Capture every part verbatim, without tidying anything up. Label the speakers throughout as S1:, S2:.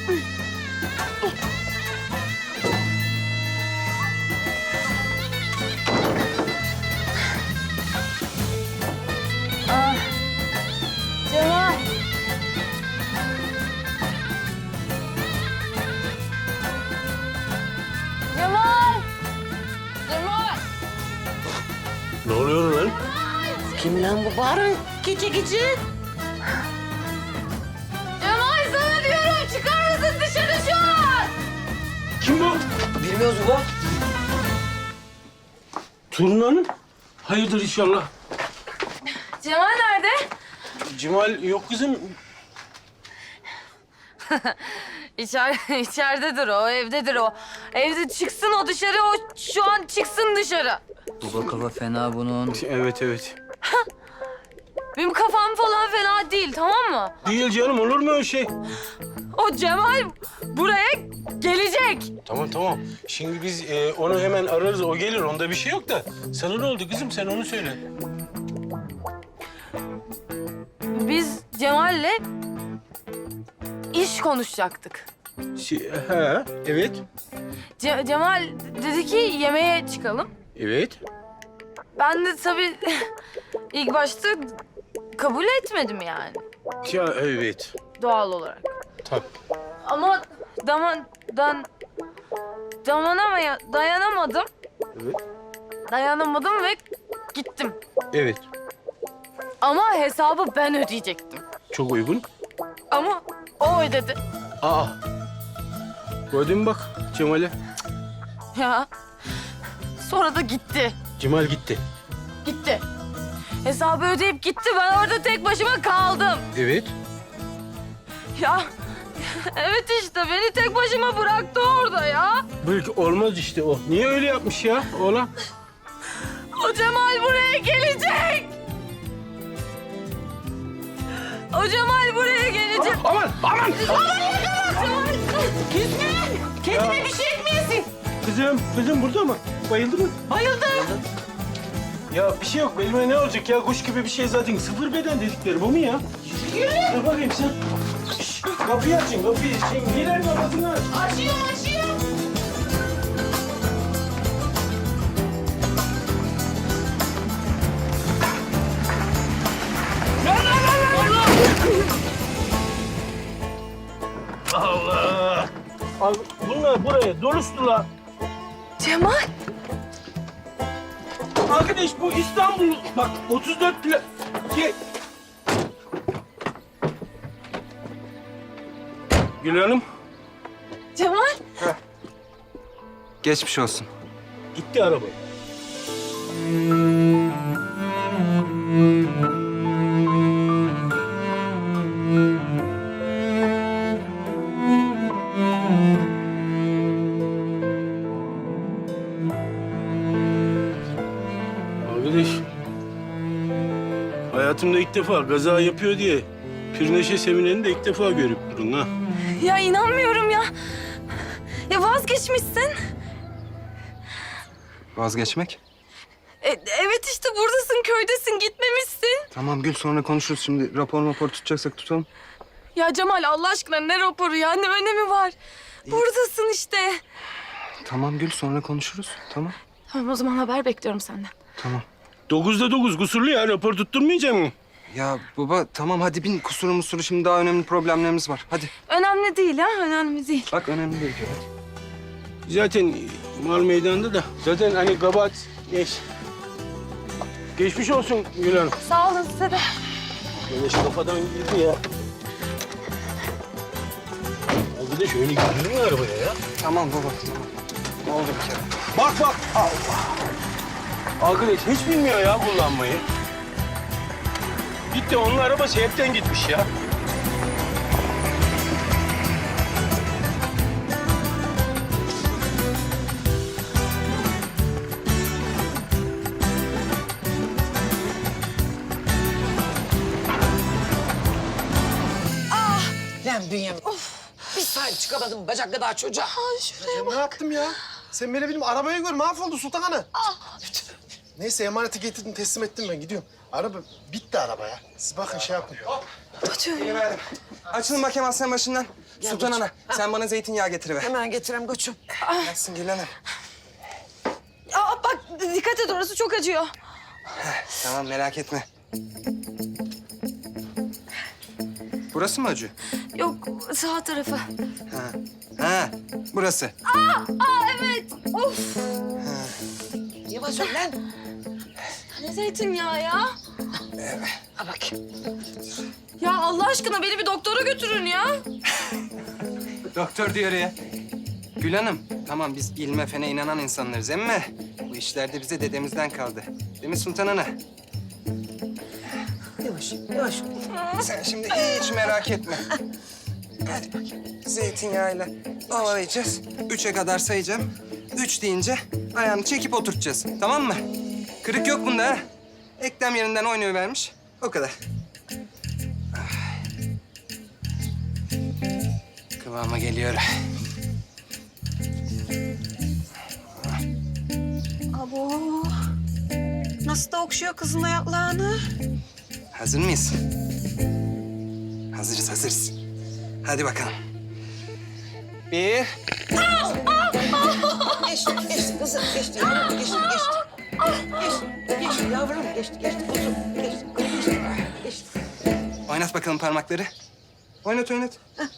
S1: Ah, Cemal. Cemal. Cemal.
S2: Ne oluyor lan?
S3: Kim lan bu bağıran gece gece?
S1: Cemal sana diyorum çıkar mısın dışarı şu an?
S2: Kim bu?
S3: Bilmiyoruz baba.
S2: Turun Hanım. Hayırdır inşallah.
S1: Cemal nerede?
S2: Cemal yok kızım.
S1: İçer, içeridedir o, evdedir o. Evde çıksın o dışarı, o şu an çıksın dışarı.
S3: Baba kafa fena bunun.
S2: Evet evet.
S1: Benim kafam falan fena değil, tamam mı?
S2: Değil canım, olur mu öyle şey?
S1: O Cemal buraya gelecek.
S2: Tamam tamam. Şimdi biz e, onu hemen ararız, o gelir. Onda bir şey yok da. Sana ne oldu kızım, sen onu söyle.
S1: Biz Cemal'le iş konuşacaktık.
S2: Şey, ha, evet.
S1: Ce- Cemal dedi ki yemeğe çıkalım.
S2: Evet.
S1: Ben de tabii ilk başta kabul etmedim yani
S2: Ya evet.
S1: doğal olarak.
S2: Tabii.
S1: Ama daman dan dayanamaya dayanamadım.
S2: Evet.
S1: Dayanamadım ve gittim.
S2: Evet.
S1: Ama hesabı ben ödeyecektim.
S2: Çok uygun.
S1: Ama o ödedi.
S2: Aa. Gördün mü bak Cemal'e?
S1: Ya. Sonra da gitti.
S2: Cemal gitti.
S1: Gitti. Hesabı ödeyip gitti. Ben orada tek başıma kaldım.
S2: Evet.
S1: Ya. Evet işte beni tek başıma bıraktı orada ya.
S2: Belki olmaz işte o. Niye öyle yapmış ya oğlan?
S1: O Cemal buraya gelecek. O Cemal buraya gelecek.
S2: Aman aman.
S3: Gitme. Kendine bir şey etmeyesin.
S2: Kızım, kızım burada mı? Bayıldı mı?
S3: Bayıldı.
S2: Ya bir şey yok. Belime ne olacak ya? Kuş gibi bir şey zaten. Sıfır beden dedikleri bu mu ya?
S3: Yürü.
S2: Dur bakayım sen. Şş, kapıyı açın, kapıyı. Şimdi Hilal babasını aç.
S3: Açıyor açıyor.
S2: Allah! Al, bunlar buraya dolustular.
S1: Cemal.
S2: Arkadaş bu İstanbul. Bak otuz dört pla... Ki... Gül Hanım.
S1: Cemal.
S4: Geçmiş olsun.
S2: Gitti araba. Arkadaş, hayatımda ilk defa kaza yapıyor diye Pirneşe Seminer'ini de ilk defa görüp durun ha.
S1: Ya inanmıyorum ya. Ya vazgeçmişsin.
S4: Vazgeçmek.
S1: E, evet işte buradasın, köydesin, gitmemişsin.
S4: Tamam Gül, sonra konuşuruz. Şimdi rapor rapor tutacaksak tutalım.
S1: Ya Cemal Allah aşkına ne raporu ya, ne önemi var? Buradasın işte.
S4: Tamam Gül, sonra konuşuruz. Tamam.
S1: Tamam o zaman haber bekliyorum senden.
S4: Tamam.
S2: Dokuzda dokuz kusurlu ya, rapor tutturmayacak mı?
S4: Ya baba tamam hadi bin, kusuru musuru, şimdi daha önemli problemlerimiz var. Hadi.
S1: Önemli değil ha, önemli değil.
S4: Bak önemli değil diyor. Hadi.
S2: Zaten mal meydanda da. Zaten hani kabahat geç. Geçmiş olsun Gül Hanım.
S1: Sağ olun size de.
S2: Böyle şu kafadan girdi ya. Abi de şöyle girdin mi arabaya ya?
S4: Tamam baba tamam. Ne oldu bir kere?
S2: Bak bak. Allah. Arkadaş hiç bilmiyor ya kullanmayı. Gitti onun arabası hepten gitmiş ya.
S3: Lan Bünyamin. Bir sahip çıkamadım bacak kadar çocuğa.
S5: Ne yaptım ya? Sen beni benim arabayı gör, mahvoldu Sultan Ana. Neyse emaneti getirdim teslim ettim ben gidiyorum. Araba bitti araba ya. Siz bakın şey yapın.
S4: Geliverdim. Açılın bakayım aslan başından. Sultan Ana, sen bana zeytinyağı getiriver.
S3: Hemen getirem koçum.
S4: Gelsin Gülhanım.
S1: Aa, bak dikkat et orası çok acıyor.
S4: Tamam, merak etme. Burası mı acı?
S1: Yok sağ tarafı.
S4: Ha. Ha, burası.
S1: Aa evet. Of.
S3: Yavaş ol lan.
S1: Ne zeytinyağı ya?
S3: Ha bakayım.
S1: Ya Allah aşkına beni bir doktora götürün ya.
S4: Doktor diyor ya. Gül Hanım, tamam biz ilme fene inanan insanlarız ama bu işlerde bize dedemizden kaldı. Değil mi Sultan Ana?
S3: Yavaş, yavaş.
S4: Sen şimdi hiç merak etme. Hadi bakayım. Zeytinyağıyla ovalayacağız. Üçe kadar sayacağım. Üç deyince ayağını çekip oturtacağız. Tamam mı? Kırık yok bunda ha. Eklem yerinden oynayıvermiş. O kadar. Ay. Kıvama geliyor.
S6: Abo. Nasıl da okşuyor kızın ayaklarını.
S4: Hazır mıyız? Hazırız, hazırız. Hadi bakalım. Bir.
S3: Geçti, geçti kızım. Geçti yavrum, geçti, geçti. Geçti, geçti yavrum. Geçti, geçti kuzum. Geçti, geçti. Geçti.
S4: Oynat bakalım parmakları. Oynat, oynat.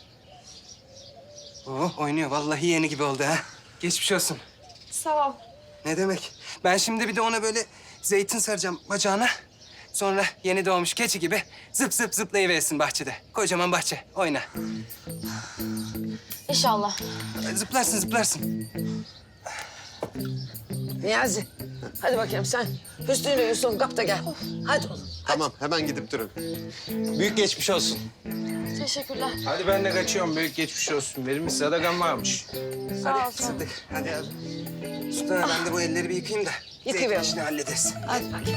S4: Oh, oynuyor. Vallahi yeni gibi oldu ha. Geçmiş olsun.
S1: Sağ ol.
S4: Ne demek? Ben şimdi bir de ona böyle zeytin saracağım bacağına. Sonra yeni doğmuş keçi gibi zıp zıp zıplayıversin bahçede. Kocaman bahçe. Oyna.
S1: İnşallah.
S4: Zıplarsın, zıplarsın.
S3: Niyazi, hadi bakayım sen Hüsnü'yle Yusuf'un kap da gel. Hadi oğlum.
S5: Tamam hemen gidip durun.
S2: Büyük geçmiş olsun.
S1: Teşekkürler.
S2: Hadi ben de kaçıyorum. Büyük geçmiş olsun. Benim bir sadakam varmış.
S1: Sağ ol.
S4: Hadi Sıddık, hadi abi. Sultan ben de bu elleri bir yıkayayım da
S3: Yıkayıver
S4: zeytin
S3: oğlum.
S4: işini hallederiz.
S3: Hadi bakayım.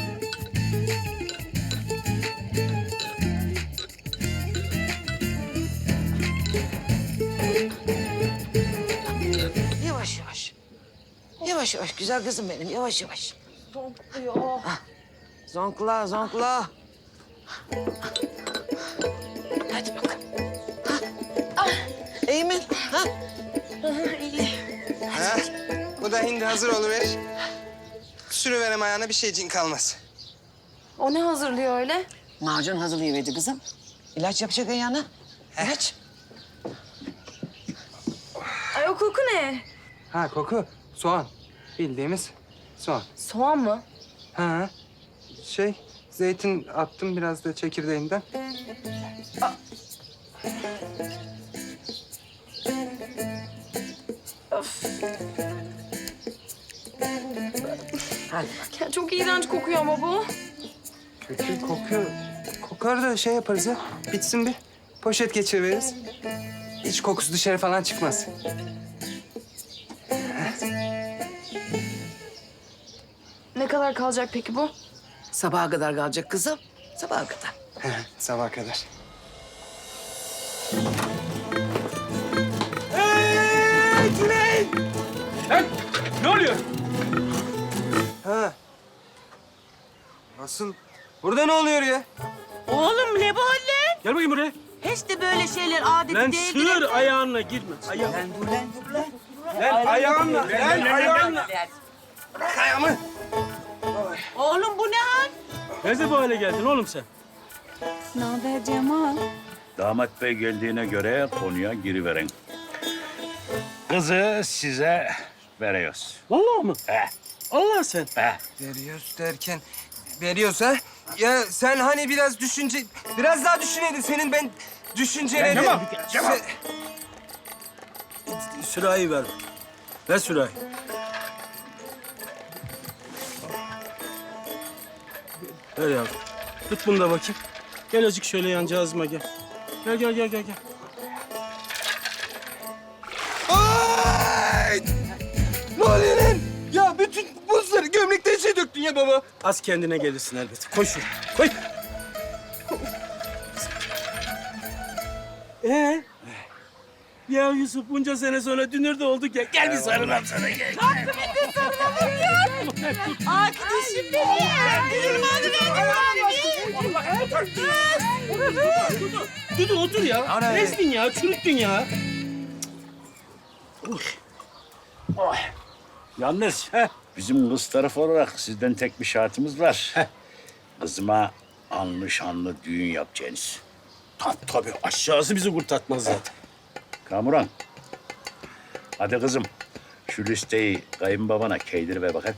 S3: Yavaş yavaş. Yavaş yavaş güzel kızım benim yavaş yavaş.
S1: Zonkluyor.
S3: Zonkla zonkla. Hadi bakalım. Ha. İyi mi? Ha?
S1: İyi.
S4: Ha? Bu da hindi hazır oluverir. Sürüverem ayağına bir şeycin kalmaz.
S1: O ne hazırlıyor öyle?
S3: Macun hazırlayıverdi kızım. İlaç yapacak ayağına. İlaç.
S1: Ay o koku ne?
S4: Ha koku, soğan. Bildiğimiz soğan.
S1: Soğan mı?
S4: Ha, şey, zeytin attım biraz da çekirdeğinden.
S3: Hadi.
S1: Ya çok iğrenç kokuyor ama bu.
S4: Kötü kokuyor. Kokar da şey yaparız ya, bitsin bir. Poşet geçiriveriz. Hiç kokusu dışarı falan çıkmaz.
S1: Ne kadar kalacak peki bu?
S3: Sabaha kadar kalacak kızım. Sabaha kadar.
S4: Sabaha kadar.
S2: Lan ne oluyor?
S4: Ha. Asıl burada ne oluyor ya?
S6: Oğlum ne bu lan?
S2: Gel bakayım buraya.
S6: Hiç de böyle şeyler adeti
S2: Lan
S6: değildir.
S2: sığır ayağınla girme. Ayağın. Lan ayağınla. Lan ayağınla.
S4: Bırak ayağımı.
S6: Oğlum bu ne hal?
S2: Nerede bu hale geldin oğlum sen?
S6: Ne haber Cemal?
S7: Damat bey geldiğine göre konuya giriverin. Kızı size veriyoruz.
S2: Vallahi mı?
S7: He,
S2: Allah sen.
S7: he.
S4: Veriyoruz derken, veriyoruz ha? Ya sen hani biraz düşünce... Biraz daha düşüneydin senin ben düşüncelerin...
S2: Ya Cemal, Cemal.
S4: Se-
S2: Sürahi ver. Ver sürahi. Ver yavrum. Tut bunu da bakayım. Gel azıcık şöyle yancağızıma gel. Gel gel gel gel gel.
S4: Ay! Ne oluyor lan? Ya bütün buzları gömlekten şey döktün ya baba.
S2: Az kendine gelirsin elbet. Koy şunu. Koy. Ee? Ya Yusuf bunca sene sonra dünür de olduk ya. Gel bir sarılalım sana gel.
S6: Arkadaşım benim.
S2: Dudu otur ya.
S4: Ana.
S2: Ezdin ya, çürüttün ya.
S7: Yalnız bizim kız tarafı olarak sizden tek bir şartımız var. Kızıma anlı şanlı düğün yapacaksınız.
S2: Tabii tabii aşağısı bizi kurtartmaz zaten.
S7: Kamuran. Hadi kızım. Şu listeyi kayınbabana keydir ver bakayım.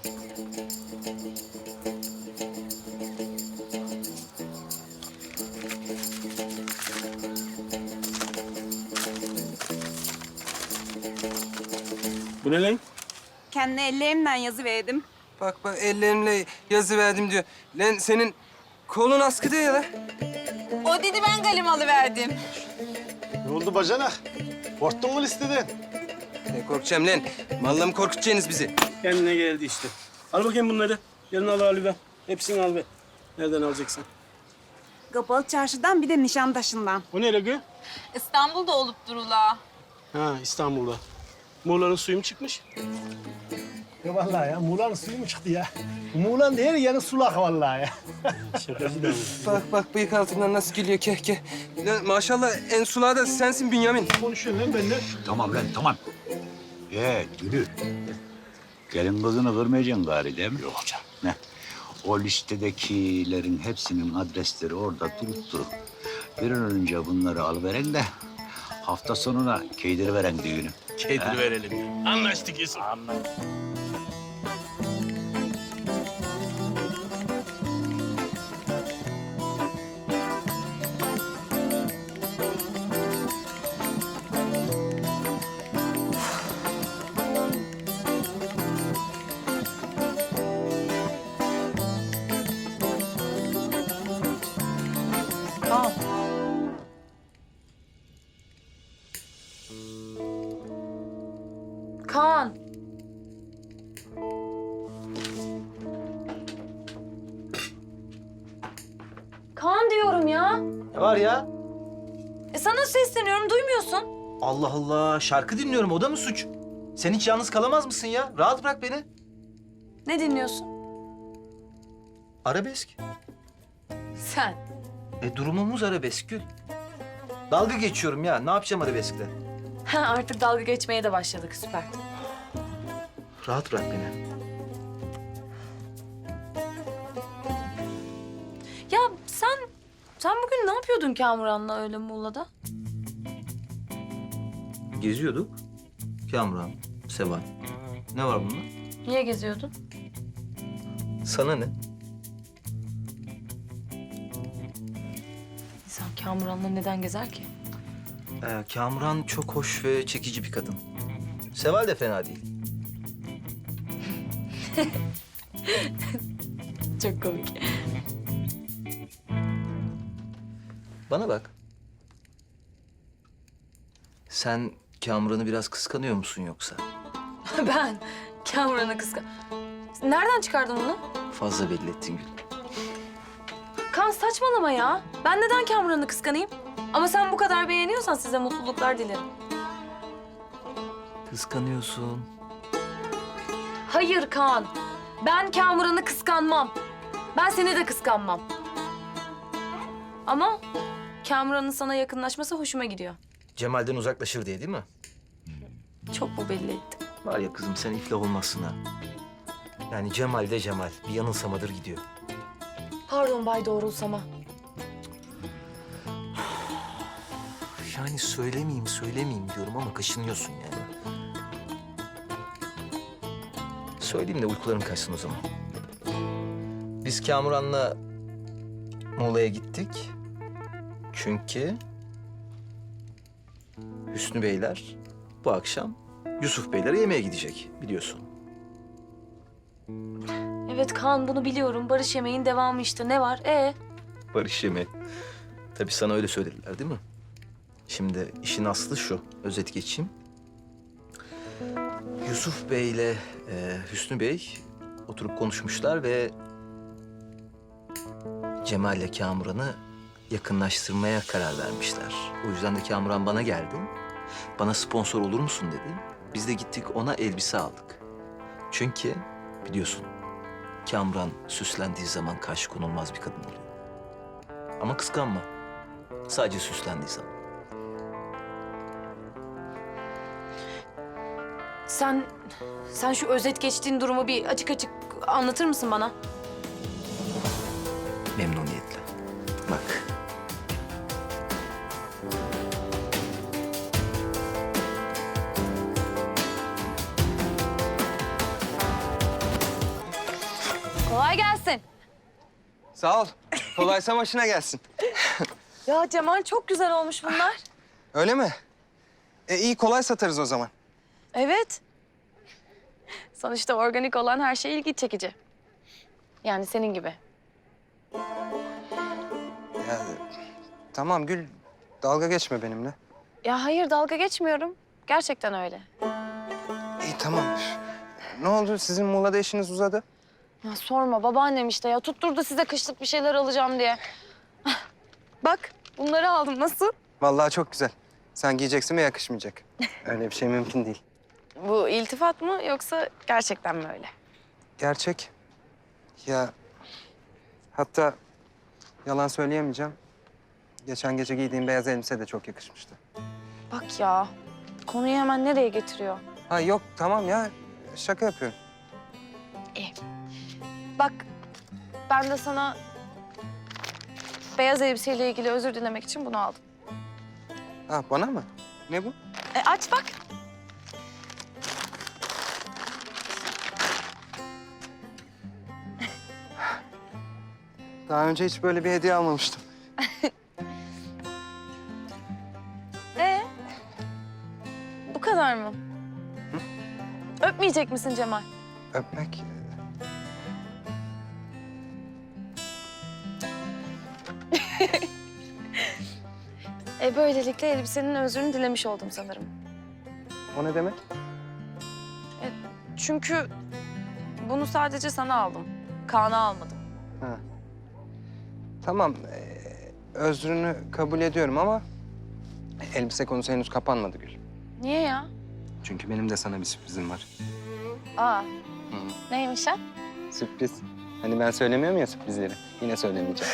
S2: Bu ne lan?
S8: Kendi ellerimle yazı verdim.
S4: Bak bak ellerimle yazı verdim diyor. Lan senin kolun askı değil la.
S8: O dedi ben kalem alıverdim.
S5: Ne oldu bacanak? Korktun mu listeden?
S4: Ne korkacağım lan? Vallahi mi korkutacaksınız bizi?
S2: Kendine geldi işte. Al bakayım bunları. Yarın al al ver. Hepsini al ver. Nereden alacaksın?
S8: Kapalı çarşıdan bir de Nişantaşı'ndan.
S2: O ne Ragı?
S8: İstanbul'da olup durula.
S2: Ha İstanbul'da. Muğla'nın suyu mu çıkmış?
S5: Ya vallahi ya Muğla'nın suyu mu çıktı ya? Muğla'nın her yanı sulak vallahi ya.
S2: Şakası da mı?
S4: Bak bak bıyık altından nasıl gülüyor keh keh. Lan maşallah en sulağı da sensin Bünyamin.
S5: Konuşuyorsun lan benimle.
S7: Tamam lan tamam. Ee Gülü. Gelin kızını kırmayacaksın gari değil mi? Yok hocam. Ne? O listedekilerin hepsinin adresleri orada durup durur. Bir an önce bunları alıveren de hafta sonuna keydiriveren düğünü.
S2: Keydir verelim ya. Anlaştık Yusuf.
S7: Anladım.
S1: Kaan. Kaan. Kaan diyorum ya.
S9: Ne var ya?
S1: E sana sesleniyorum, duymuyorsun.
S9: Allah Allah, şarkı dinliyorum. O da mı suç? Sen hiç yalnız kalamaz mısın ya? Rahat bırak beni.
S1: Ne dinliyorsun?
S9: Arabesk.
S1: Sen.
S9: E durumumuz arabesk Gül. Dalga geçiyorum ya. Ne yapacağım arabeskle?
S1: Ha, artık dalga geçmeye de başladık, süper.
S9: Rahat bırak beni.
S1: Ya sen, sen bugün ne yapıyordun Kamuran'la öyle Muğla'da?
S9: Geziyorduk. Kamuran, Seval. Ne var bunda?
S1: Niye geziyordun?
S9: Sana ne?
S1: İnsan Kamuran'la neden gezer ki?
S9: Ee, Kamuran çok hoş ve çekici bir kadın. Seval de fena değil.
S1: Çok komik.
S9: Bana bak. Sen Kamuran'ı biraz kıskanıyor musun yoksa?
S1: Ben Kamuran'ı kıskan... Nereden çıkardın bunu?
S9: Fazla belli ettin Gül.
S1: Kan saçmalama ya. Ben neden Kamuran'ı kıskanayım? Ama sen bu kadar beğeniyorsan size mutluluklar dilerim.
S9: Kıskanıyorsun.
S1: Hayır Kaan. Ben Kamuran'ı kıskanmam. Ben seni de kıskanmam. Ama Kamuran'ın sana yakınlaşması hoşuma gidiyor.
S9: Cemal'den uzaklaşır diye değil mi?
S1: Çok mu belli ettim?
S9: Var ya kızım sen iflah olmazsın ha. Yani Cemal de Cemal. Bir yanılsamadır gidiyor.
S1: Pardon Bay Doğrulsama.
S9: Yani söylemeyeyim söylemeyeyim diyorum ama kaşınıyorsun yani. Söyleyeyim de uykularım kaçsın o zaman. Biz Kamuran'la Muğla'ya gittik. Çünkü Hüsnü Beyler bu akşam Yusuf Beylere yemeğe gidecek biliyorsun.
S1: Evet Kaan, bunu biliyorum. Barış yemeğin devamı işte. Ne var? Ee?
S9: Barış yemeği. Tabii sana öyle söylediler değil mi? Şimdi işin aslı şu, özet geçeyim. Yusuf Bey ile e, Hüsnü Bey oturup konuşmuşlar ve Cemal ile Kamuran'ı yakınlaştırmaya karar vermişler. O yüzden de Kamuran bana geldi. Bana sponsor olur musun dedi. Biz de gittik ona elbise aldık. Çünkü biliyorsun Kamran süslendiği zaman karşı konulmaz bir kadın oluyor. Ama kıskanma. Sadece süslendiği zaman.
S1: Sen, sen şu özet geçtiğin durumu bir açık açık anlatır mısın bana?
S9: Memnuniyetle. Bak.
S1: Kolay gelsin.
S4: Sağ ol. Kolaysa başına gelsin.
S1: Ya Cemal çok güzel olmuş bunlar.
S4: Öyle mi? E iyi kolay satarız o zaman.
S1: Evet. Sonuçta organik olan her şey ilgi çekici. Yani senin gibi.
S4: Ya, tamam Gül, dalga geçme benimle.
S1: Ya hayır dalga geçmiyorum. Gerçekten öyle.
S4: İyi tamam. Ne oldu? Sizin Muğla'da işiniz uzadı.
S1: Ya sorma babaannem işte ya tutturdu size kışlık bir şeyler alacağım diye. Bak bunları aldım nasıl?
S4: Vallahi çok güzel. Sen giyeceksin ve yakışmayacak. Öyle bir şey mümkün değil.
S1: Bu iltifat mı yoksa gerçekten mi öyle?
S4: Gerçek. Ya hatta yalan söyleyemeyeceğim. Geçen gece giydiğim beyaz elbise de çok yakışmıştı.
S1: Bak ya konuyu hemen nereye getiriyor?
S4: Ha yok tamam ya. Şaka yapıyorum.
S1: Bak ben de sana beyaz elbiseyle ilgili özür dilemek için bunu aldım.
S4: Ha bana mı? Ne bu?
S1: E, aç bak.
S4: Daha önce hiç böyle bir hediye almamıştım.
S1: Ee? Bu kadar mı? Öpmeyecek misin Cemal?
S4: Öpmek...
S1: E böylelikle elbisenin özrünü dilemiş oldum sanırım.
S4: O ne demek?
S1: Çünkü bunu sadece sana aldım. Kaan'a almadım.
S4: Ha. Tamam. ee, özrünü kabul ediyorum ama... elbise konusu henüz kapanmadı Gül.
S1: Niye ya?
S4: Çünkü benim de sana bir sürprizim var.
S1: Aa,
S4: Hı.
S1: neymiş ha?
S4: Sürpriz. Hani ben söylemiyorum ya sürprizleri. Yine söylemeyeceğim.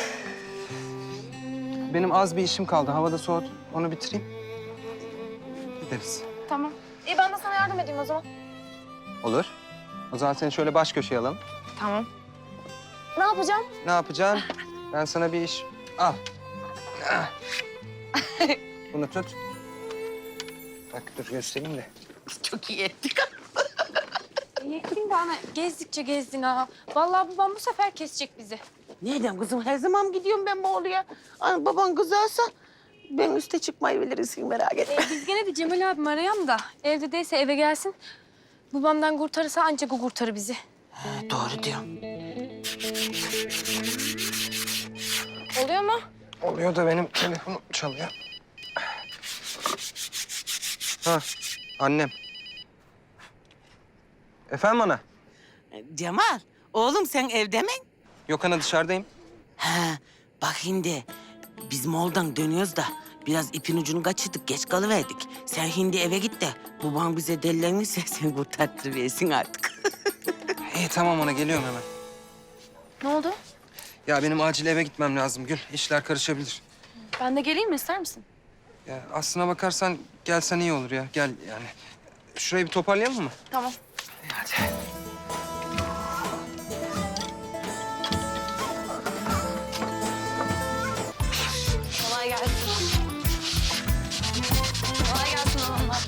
S4: Benim az bir işim kaldı. Havada soğut. Onu bitireyim. Gideriz.
S1: Tamam. İyi ben de sana yardım edeyim o zaman.
S4: Olur. O zaman seni şöyle baş köşeye alalım.
S1: Tamam. Ne yapacağım?
S4: Ne yapacaksın? Ben sana bir iş... Al. Ah. Bunu tut. Bak dur göstereyim de.
S6: Çok iyi ettik.
S1: Yettin bana. Gezdikçe gezdin ha. Vallahi babam bu sefer kesecek bizi.
S6: Nereden kızım? Her zaman gidiyorum ben Bolu'ya. Hani baban kızarsa ben üste çıkmayı bilirsin merak etme.
S1: E, biz gene bir Cemal abimi arayalım da evde değilse eve gelsin. Babamdan kurtarırsa ancak o kurtarır bizi.
S6: Ha, doğru diyorsun.
S1: Oluyor mu?
S4: Oluyor da benim telefonum çalıyor. Ha, annem. Efendim ana?
S6: Cemal, oğlum sen evde mi?
S4: Yok ana dışarıdayım.
S6: Ha, bak şimdi biz Moğol'dan dönüyoruz da biraz ipin ucunu kaçırdık, geç kalıverdik. Sen şimdi eve git de baban bize delilenirse sen kurtartırıversin artık.
S4: İyi tamam ana geliyorum hemen.
S1: Ne oldu?
S4: Ya benim acil eve gitmem lazım Gül. İşler karışabilir.
S1: Ben de geleyim mi ister misin?
S4: Ya aslına bakarsan gelsen iyi olur ya. Gel yani. Şurayı bir toparlayalım mı?
S1: Tamam.
S4: Hadi.
S1: Kolay gelsin. Kolay gelsin hanımlar.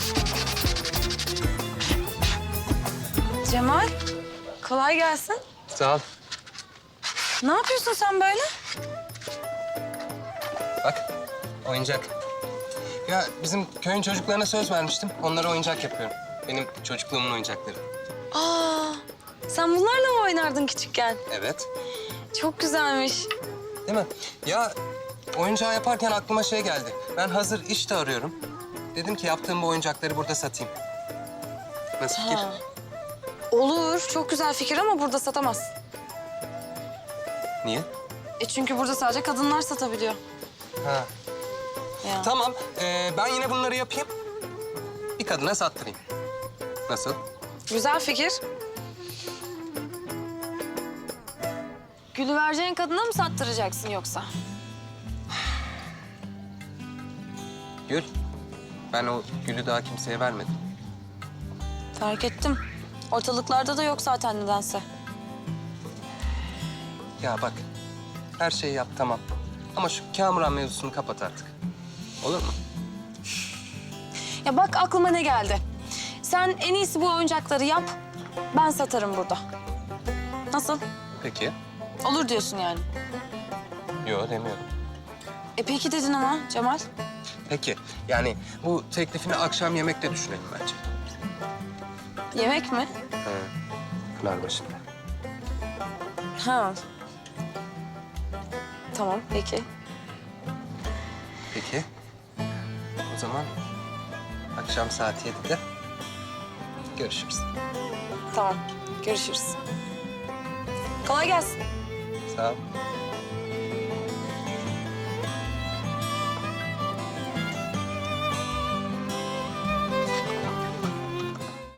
S1: Cemal, kolay gelsin.
S4: Sağ ol.
S1: Ne yapıyorsun sen böyle?
S4: Bak oyuncak. Ya bizim köyün çocuklarına söz vermiştim. Onlara oyuncak yapıyorum. Benim çocukluğumun oyuncakları.
S1: Aa, sen bunlarla mı oynardın küçükken?
S4: Evet.
S1: Çok güzelmiş.
S4: Değil mi? Ya oyuncağı yaparken aklıma şey geldi. Ben hazır iş de arıyorum. Dedim ki yaptığım bu oyuncakları burada satayım. Nasıl fikir?
S1: Ha. Olur, çok güzel fikir ama burada satamazsın.
S4: Niye?
S1: E çünkü burada sadece kadınlar satabiliyor.
S4: Ha.
S1: Ya.
S4: Tamam. ee, ben yine bunları yapayım. bir kadına sattırayım. Nasıl?
S1: Güzel fikir. Gülü vereceğin kadına mı sattıracaksın yoksa?
S4: Gül, ben o gülü daha kimseye vermedim.
S1: Fark ettim. Ortalıklarda da yok zaten nedense.
S4: Ya bak, her şeyi yap tamam. Ama şu Kamuran mevzusunu kapat artık. Olur mu?
S1: Ya bak aklıma ne geldi. Sen en iyisi bu oyuncakları yap. Ben satarım burada. Nasıl?
S4: Peki.
S1: Olur diyorsun yani.
S4: Yok demiyorum.
S1: E peki dedin ama Cemal.
S4: Peki. Yani bu teklifini akşam yemekte düşünelim bence.
S1: Yemek mi?
S4: He. Pınarbaşı'nda.
S1: Ha. Tamam peki.
S4: Peki. O zaman akşam saat yedide görüşürüz.
S1: Tamam. Görüşürüz. Kolay gelsin.
S4: Sağ ol.